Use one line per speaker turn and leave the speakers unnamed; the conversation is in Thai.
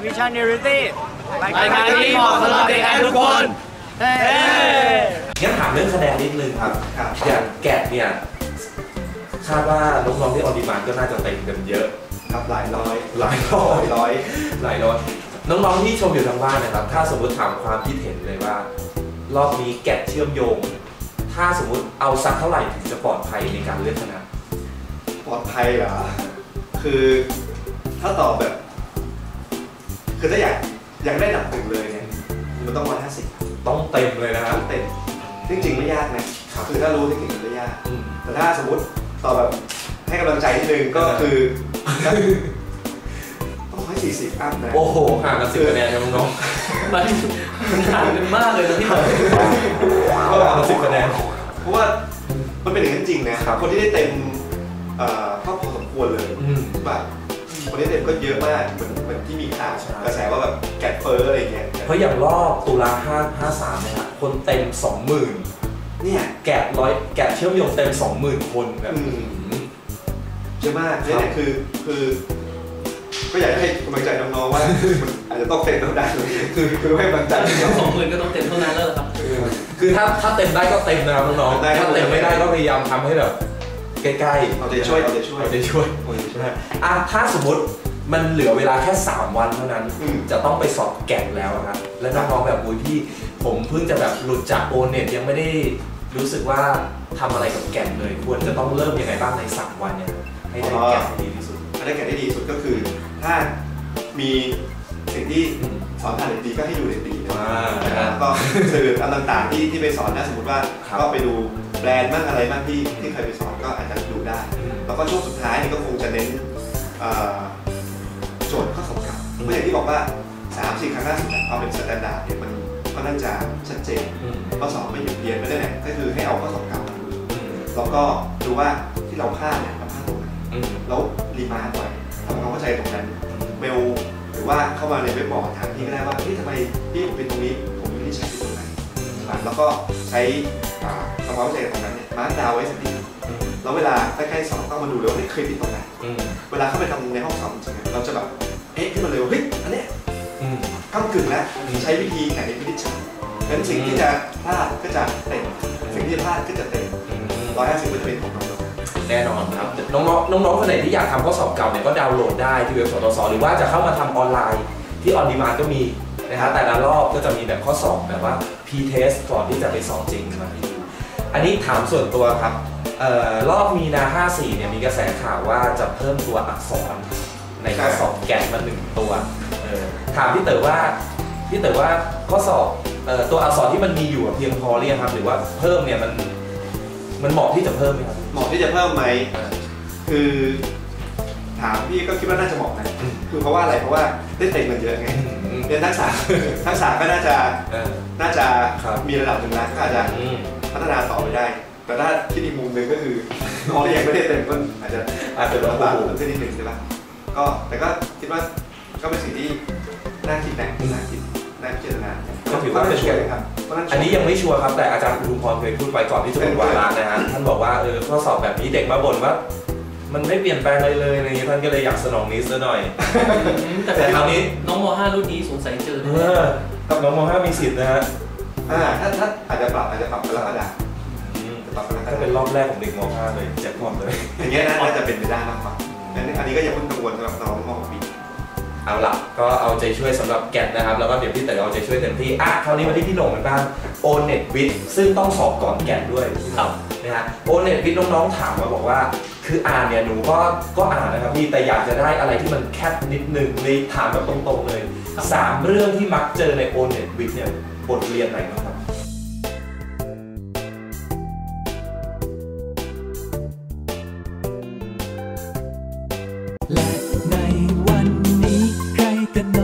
วิชั่นเนอริตี้รายการที่เหมาะสำหรับเด็กทุกคน
งั้นถามเรื่องคะแนนนิดนึงครับอย่างแกะเนี่ยคาดว่าน้องๆที่ออดิมานก็น่าจะเต็มกันเยอะ
ครับหลายร้อย
น้องๆที่ชมอยู่ทางบ้านนะครับถ้าสมมติถามความคิดเห็นเลยว่ารอบนี้แกะเชื่อมโยงถ้าสมมติเอาสักเท่าไหร่ถึงจะปลอดภัยในการเลือกคณะ
ปลอดภัยเหรอคือถ้าตอบแบบคือถ้าอยากได้ดับ1เลยเนี่ยมันต้อง150
ต้องเต็มเลยนะครับ
เต็มจริงๆไม่ยากนะคือถ้ารู้เทคนิคมันไม่ยากแต่ถ้าสมมติตอบแบบให้กำลังใจนิดนึงก็คือต้อง140อัพนะ
โอ้โหห่างกัน10 คะแนนครับน้องๆ
มันห่างกันมากเลยนะที่
ก็ห่างกัน10 คะแนน
เพราะว่ามันเป็นอย่างนั้นจริงนะคนที่ได้เต็มก็พอสมควรเลยแบบคนที่เต็มก็เยอะมากเหมือนที่มีข่าวกระแสว่าแบบแกะเฟอร์อะไรเงี้ย
เพราะอย่างรอบตุลา53เนี่ยครับคนเต็ม 20,000เนี่ยแกะเชื่อมโยงเต็ม 20,000 คนแบบ
เยอะมากเนี่ยคือก็อยากให้กำลังใจน้องๆว่าอาจจะต้องเต็มเท่านั้นคือให้กำลังใจ
20,000ก็ต้องเต็มเท่านั้นแล้วครับ
คือถ้าเต็มได้ก็เต็มนะครับน้องๆถ้าเต็มไม่ได้ก็พยายามทำให้แบบใกล้ๆ
เอาใจช่วย
ถ้าสมมติมันเหลือเวลาแค่3 วันเท่านั้นจะต้องไปสอบแกะแล้วครับและน้องๆแบบพี่ผมเพิ่งจะแบบหลุดจากโอเน็ตยังไม่ได้รู้สึกว่าทำอะไรกับแกะเลยควรจะต้องเริ่มยังไงบ้างใน3 วันเนี่ยให้ได้แกะดีที่สุด
ได้แกะได้ดีสุดก็คือถ้ามีสิ่งที่สอนผ่านเน็ตดีก็ให้ดูเน็ตดีนะครับก็สื่อต่างๆที่ไปสอนนะสมมติว่าก็ไปดูแบรนด์บ้างอะไรบ้างที่เคยไปสอนก็อาจจะดูได้แล้วก็ช่วงสุดท้ายนี่ก็คงจะเน้นโจทย์ข้อสอบเก่าเมื่ออย่างที่บอกว่า 3-4 ครั้งล่าสุดเอาเป็นสแตนดาร์ดเนี่ยมันก็น่าจะชัดเจนข้อสอบไม่หยุดเรียนไม่ได้เนี่ยก็คือให้เอาข้อสอบเก่ามาดูแล้วก็ดูว่าที่เราพลาดเนี่ยเราพลาดตรงไหนแล้วรีมาร์กไว้ทำความเข้าใจตรงนั้นเมลหรือว่าเข้ามาในเว็บบอร์ดถามพี่ก็ได้ว่าทำไมพี่ผมเป็นตรงนี้ผมไม่ได้ใช้ตรงไหนแล้วก็ใช้ทำความเข้าใจตรงนั้นเนี่ยมาร์กดาวไว้สักทีแล้วเวลาใกล้ๆสอบต้องมาดูเลยว่าเคยผิดตรงไหนเวลาเข้าไปทำในห้องสอบจริงๆเราจะแบบขึ้นมาเลยว่าเฮ้ยอันเนี้ยก้ากึ่งแล้วใช้วิธีไหนในวิธีใช้งั้นสิ่งที่จะพลาดก็จะเต็มสิ่งที่พลาดก็จะเต็ม150ก็จะเป็นของน้อง
แน่นอนครับน้องๆคนไหนที่อยากทำข้อสอบเก่าเนี่ยก็ดาวน์โหลดได้ที่เว็บสตส.หรือว่าจะเข้ามาทำออนไลน์ที่ออนดีมานด์ก็มีนะครับแต่ละรอบก็จะมีแบบข้อสอบแบบว่า P-test ก่อนที่จะไปสอบจริงมาให้ดูอันนี้ถามส่วนตัวครับรอบมีนา54เนี่ยมีกระแสข่าวว่าจะเพิ่มตัวอักษรในข้อสอบแกะมา1 ตัวถามพี่เต๋อว่าข้อสอบตัวอักษรที่มันมีอยู่เพียงพอหรือยังครับหรือว่าเพิ่มเนี่ยมันเหมาะที่จะเพิ่มไหมครับ
เหมาะที่จะเพิ่มไหมคือถามพี่ก็คิดว่าน่าจะเหมาะนะคือเพราะว่าอะไรเพราะว่าได้เต็มมันเยอะไงเรียนทักษะก็น่าจะมีระดับหนึ่งแล้วก็อาจจะพัฒนาต่อไปได้แต่ถ้าคิดอีกมุมหนึ่งก็คือน้องที่ยังไม่ได้เต็มก็อาจจะลำบากขึ้นนิดนึงใช่ไหมแต่ก็คิดว่าก็เป็นสิ่งที่น่าคิดน่าพิจารณา
ก็ถือว่าเป็นช่วยครับอันนี้ยังไม่ชัวร์ครับแต่อาจารย์อุทุมพรเคยพูดไปก่อนที่จะหมดวาระนะฮะท่านบอกว่าข้อสอบแบบนี้เด็กมาบ่นว่ามันไม่เปลี่ยนแปลงเลยอะไรเงี้ยท่านก็เลยอยากสนองนี้ซะหน่อย
แต่คราวนี้น้องม.5 รุ่นนี้สงสัยเจอ
กับน้องม.5 มีสิทธิ์นะฮะ
ถ้าอาจจะปรับกรกฎา
ถ้าเป็นรอบแรกของเด็กม.5 เลยแจ็คพอตเลย
อย่างเงี้ยน่าจะเป็นไปได้มากกว่าอันนี้ก็อย่าเพิ่งกังวลสำหรับน้องม.6 ปี
เอาล่ะก็เอาใจช่วยสำหรับแกะนะครับแล้วก็เดี๋ยวพี่เต๋อเอาใจช่วยเต็มที่คราวนี้มาที่พี่หน่งกันบ้างโอเน็ตวิทย์ซึ่งต้องสอบก่อนแกะด้วยนะฮะโอเน็ตวิทย์น้องๆถามมาบอกว่าคืออ่านเนี่ยหนูก็อ่านนะครับพี่แต่อยากจะได้อะไรที่มันแคบนิดนึงเลยถามแบบตรงๆเลย3 เรื่องที่มักเจอในโอเน็ตวิทย์เนี่ยบทเรียนไหนบ้างครับ
และในวันนี้ใครกัน